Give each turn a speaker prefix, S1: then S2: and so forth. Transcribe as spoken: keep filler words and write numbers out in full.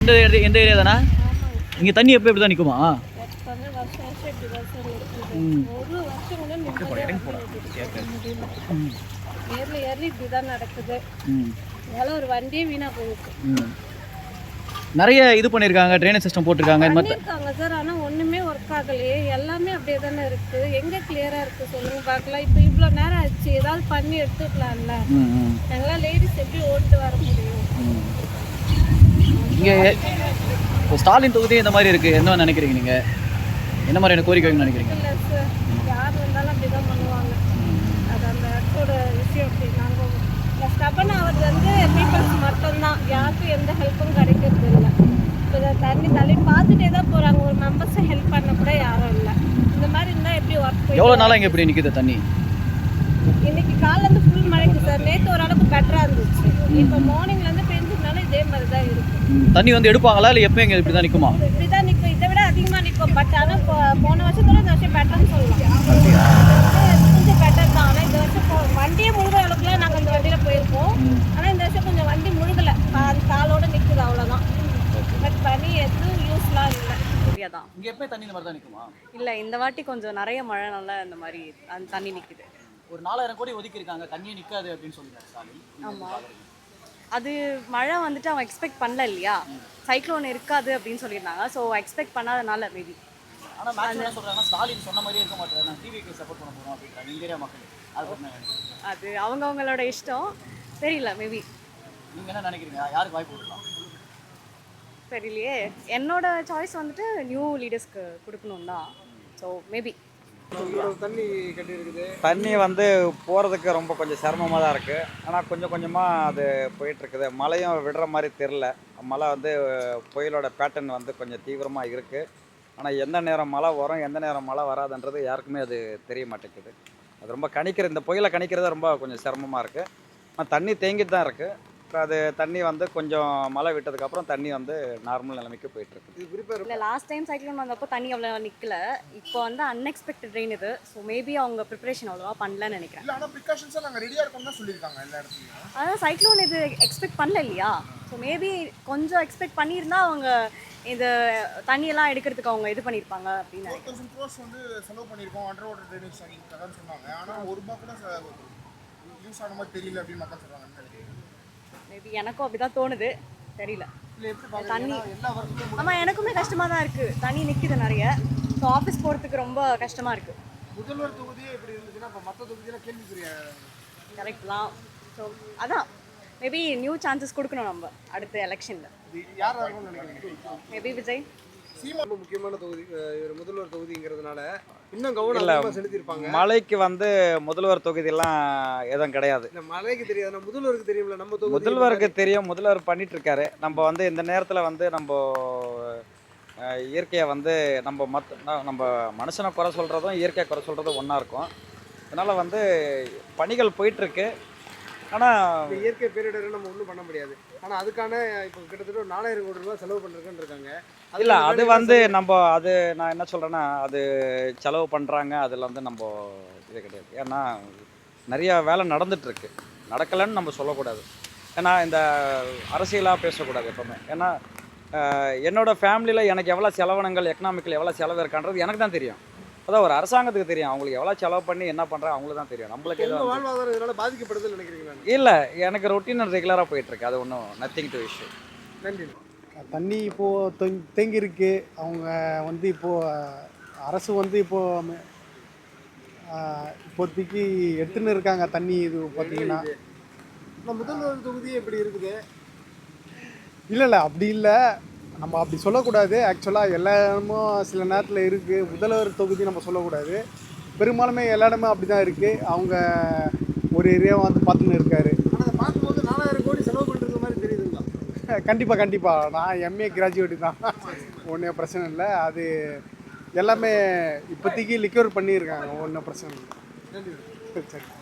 S1: இந்த ஏரியா எந்த ஏரியா தானே? இங்கே தண்ணி எப்போ இப்படி தான் நிற்குமா?
S2: ஒரு வண்டியே வீணா போயிருக்கு.
S1: நிறைய இது பண்ணியிருக்காங்க, ட்ரைனேஜ் சிஸ்டம் போட்டிருக்காங்க
S2: பண்ணியிருக்காங்க சார். ஆனால் ஒன்றுமே ஒர்க் ஆகலையே, எல்லாமே அப்படியே தானே இருக்குது. எங்கே கிளியராக இருக்குது சொல்லுங்கள் பார்க்கலாம். இப்போ இவ்வளோ நேரம் ஆச்சு, ஏதாவது பண்ணி எடுத்துக்கலாம்ல. எங்களாம் லேடிஸ் எப்படி ஓட்டு வர முடியும்?
S1: இங்கே இப்போ ஸ்டாலின் தொகுதி இந்த மாதிரி இருக்குது, என்ன நினைக்கிறீங்க நீங்கள்? என்ன மாதிரியான கோரிக்கை நினைக்கிறீங்க?
S2: இல்லை சார், யார் வந்தாலும் அப்படி தான் பண்ணுவாங்க. அது அந்த இடத்தோட விஷயம் அப்படி. நாங்கள் ஸ்டபன் ஆகிறது வந்து பீப்புள்ஸ் மட்டும்தான், யாருக்கும் எந்த ஹெல்ப்பும் கிடைக்கிறது இல்லை. இப்போ தண்ணி தள்ளி பார்த்துட்டே தான் போகிறாங்க, ஒரு மெம்பர்ஸை ஹெல்ப் பண்ண கூட யாரும் இல்லை. இந்த மாதிரி இருந்தால் எப்படி ஒர்க் போய்
S1: எவ்வளோ நாளாக இங்கே எப்படி நிற்குது தண்ணி?
S2: இன்னைக்கு காலையிலேருந்து ஃபுல் மழைக்கு சார். நேற்று ஓரளவுக்கு பெட்டராக இருந்துச்சு. இப்போ மார்னிங்லேருந்து பெஞ்சதுனால இதே மாதிரி தான் இருக்குது.
S1: தண்ணி வந்து எடுப்பாங்களா இல்லை எப்போ இங்கே இப்படி தான் நிற்குமா?
S2: இப்படி தான் நிற்கும், இதை விட அதிகமாக நிற்கும். பட் ஆனால் போன வருஷத்தோட இந்த வருஷம் பெட்டர்னு சொல்லலாம். கொஞ்சம் பெட்டர் தான். ஆனால் இந்த வருஷம் வண்டியே முழுகிற அளவுக்குலாம் நாங்கள் இந்த வண்டியில் போயிருக்கோம். ஆனால் இந்த வருஷம் கொஞ்சம் வண்டி முழுகலை, அது காலோட நிற்குது, அவ்வளோதான். பட் பனி எதுவும் யூஸ்லாம் இல்லை.
S3: தான்
S1: இங்கே எப்போ தண்ணி இந்த மாதிரி தான் நிற்குமா?
S3: இல்லை, இந்த வாட்டி கொஞ்சம் நிறைய மழைனால இந்த மாதிரி அந்த தண்ணி நிற்குது.
S1: ஒரு நாலாயிரம் கோடி ஒதுக்கியிருக்காங்க, தண்ணியே நிற்காது அப்படின்னு சொல்லியிருக்காரு ஸ்டாலின்.
S3: ஆமாம், அது மழை வந்துட்டு அவங்க எக்ஸ்பெக்ட் பண்ணல இல்லையா, சைக்ளோன் இருக்காது அப்படின்னு சொல்லியிருந்தாங்க. ஸோ எக்ஸ்பெக்ட் பண்ணாதனால மேபி.
S1: ஆனால் மேக்ஸிமம் என்ன சொல்கிறாங்கன்னா, ஸ்டாலின் சொன்ன மாதிரியே இருக்க மாட்டேன், நான் டிவிக்கு சப்போர்ட் பண்ண போகிறோம் அப்படின்றாங்க இந்தியா மக்கள். அது
S3: அது அவங்கவுங்களோட இஷ்டம், தெரியல. மேபி
S1: நீங்கள் என்ன நினைக்கிறீங்க, யாருக்கு வாய்ப்பு கொடுக்கலாம்?
S3: தெரியலையே. என்னோட சாய்ஸ் வந்துட்டு நியூ லீடர்ஸ்க்கு கொடுக்கணும் தான். So maybe.
S4: தண்ணி கட்டி இருக்குது.
S5: தண்ணி வந்து போகிறதுக்கு ரொம்ப கொஞ்சம் சிரமமாக தான் இருக்குது. ஆனால் கொஞ்சம் கொஞ்சமாக அது போயிட்டுருக்குது. மழையும் விடுற மாதிரி தெரில. மழை வந்து புயலோட பேட்டர்ன் வந்து கொஞ்சம் தீவிரமாக இருக்குது. ஆனால் எந்த நேரம் மழை வரும், எந்த நேரம் மழை வராதுன்றது யாருக்குமே அது தெரிய மாட்டேங்குது. அது ரொம்ப கணிக்கிற, இந்த புயலை கணிக்கிறது ரொம்ப கொஞ்சம் சிரமமாக இருக்குது. ஆனால் தண்ணி தேங்கிட்டு தான் இருக்குது. அது தண்ணி வந்து கொஞ்சம் மழை விட்டதுக்கப்புறம் தண்ணி வந்து நார்மல் நிலைமைக்கு போயிட்டுருக்கு.
S3: இல்லை, லாஸ்ட் டைம் சைக்ளோன் வந்தப்போ தண்ணி அவ்வளோ நிற்கல. இப்போ வந்து அன்எக்ஸ்பெக்டட் ரெயின் இது. ஸோ மேபி அவங்க ப்ரிப்பரேஷன் அவ்வளோவா பண்ணலன்னு நினைக்கிறேன். அதான் சைக்ளோன் இது எக்ஸ்பெக்ட் பண்ணல இல்லையா. ஸோ மேபி கொஞ்சம் எக்ஸ்பெக்ட் பண்ணியிருந்தா அவங்க இந்த தண்ணியெல்லாம் எடுக்கிறதுக்கு அவங்க இது பண்ணியிருப்பாங்க அப்படின்னு நினைக்கிறேன். மேபி எனக்கும் அப்படிதான் தோணுது, தெரியல. தண்ணி ஆமாம், எனக்குமே கஷ்டமாக தான் இருக்குது. தண்ணி நிற்கிது நிறைய. ஸோ ஆஃபீஸ் போகிறதுக்கு ரொம்ப கஷ்டமாக இருக்குது.
S4: முதல்வர் தொகுதியே எப்படி இருந்துச்சுன்னா இப்போ மற்ற தொகுதியெல்லாம் கேள்விக்குரிய.
S3: கரெக்ட் தான். ஸோ அதான் மேபி நியூ சான்சஸ் கொடுக்கணும் நம்ம அடுத்த எலெக்ஷனில்.
S4: யார் இருக்கும்னு நினைக்கிறீங்க?
S3: மேபி விஜய்.
S4: ரொம்ப முக்கியமான தொகுதி இவர் முதல்வர் தொகுதிங்கிறதுனால இன்னும் கவனம் செலுத்தியிருப்பாங்க.
S5: மழைக்கு வந்து முதல்வர் தொகுதியெல்லாம் எதுவும் கிடையாது.
S4: இந்த மழைக்கு தெரியாது, முதல்வருக்கு தெரியும்ல. நம்ம தொகுதி
S5: முதல்வருக்கு தெரியும், முதல்வர் பண்ணிட்டு இருக்காரு. நம்ம வந்து இந்த நேரத்தில் வந்து நம்ம இயற்கையை வந்து நம்ம மற்ற நம்ம மனுஷனை குறை சொல்கிறதும் இயற்கையை குறை சொல்கிறதும் ஒன்றா இருக்கும். அதனால் வந்து பணிகள் போயிட்டுருக்கு. ஆனால்
S4: இயற்கை பேரிடர் நம்ம ஒன்றும் பண்ண முடியாது. ஆனால் அதுக்கான இப்போ கிட்டத்தட்ட ஒரு நாலாயிரம் கோடி ரூபா செலவு பண்ணுறதுன்னு இருக்காங்க.
S5: இல்லை, அது வந்து நம்ம அது நான் என்ன சொல்கிறேன்னா, அது செலவு பண்ணுறாங்க, அதில் வந்து நம்ம இது கிடையாது. ஏன்னா நிறையா வேலை நடந்துகிட்ருக்கு, நடக்கலைன்னு நம்ம சொல்லக்கூடாது. ஏன்னா இந்த அரசியலாக பேசக்கூடாது எப்போவுமே. ஏன்னா என்னோடய ஃபேமிலியில் எனக்கு எவ்வளோ செலவினங்கள், எக்கனாமிக்கல் எவ்வளோ செலவு இருக்கான்றது எனக்கு தான் தெரியும். அதான் ஒரு அரசாங்கத்துக்கு தெரியும், அவங்களுக்கு எவ்வளோ செலவு பண்ணி என்ன பண்ணுறாங்க அவங்களுக்கு தான் தெரியும். நம்மளுக்கு எதுவும்
S4: வாழ்வாதாரம் இதனால் பாதிக்கப்படுதுன்னு நினைக்கிறீங்க?
S5: இல்லை, எனக்கு ரொட்டீன் ரெகுலராக போயிட்டுருக்கு, அது ஒன்றும் நத்திங் டு இஷ்யூ.
S4: நன்றி.
S6: தண்ணி இப்போது தொங் தேங்கியிருக்கு. அவங்க வந்து இப்போது அரசு வந்து இப்போது இப்போதைக்கு எடுத்துன்னு இருக்காங்க தண்ணி. இது பார்த்தீங்கன்னா
S4: முதல்வர் தொகுதி எப்படி இருக்குது?
S6: இல்லை இல்லை அப்படி இல்லை, நம்ம அப்படி சொல்லக்கூடாது. ஆக்சுவலாக எல்லா இடமும் சில நேரத்தில் இருக்குது. முதல்வர் தொகுதி நம்ம சொல்லக்கூடாது. பெரும்பாலுமே எல்லா இடமும் அப்படி தான் இருக்குது. அவங்க ஒரு ஏரியாவை வந்து பார்த்துன்னு இருக்காரு.
S4: ஆனால் அதை பார்க்கும்போது நாலாயிரம் கோடி செலவு பண்ணுறது மாதிரி தெரியுதுங்களா?
S6: கண்டிப்பாக கண்டிப்பாக. நான் எம்ஏ கிராஜுவேட்டு தான், ஒன்றும் பிரச்சனை இல்லை. அது எல்லாமே இப்போதைக்கு லிக்யூர் பண்ணியிருக்காங்க, ஒன்றும் பிரச்சனை இல்லை.
S4: நன்றி.
S6: சரி.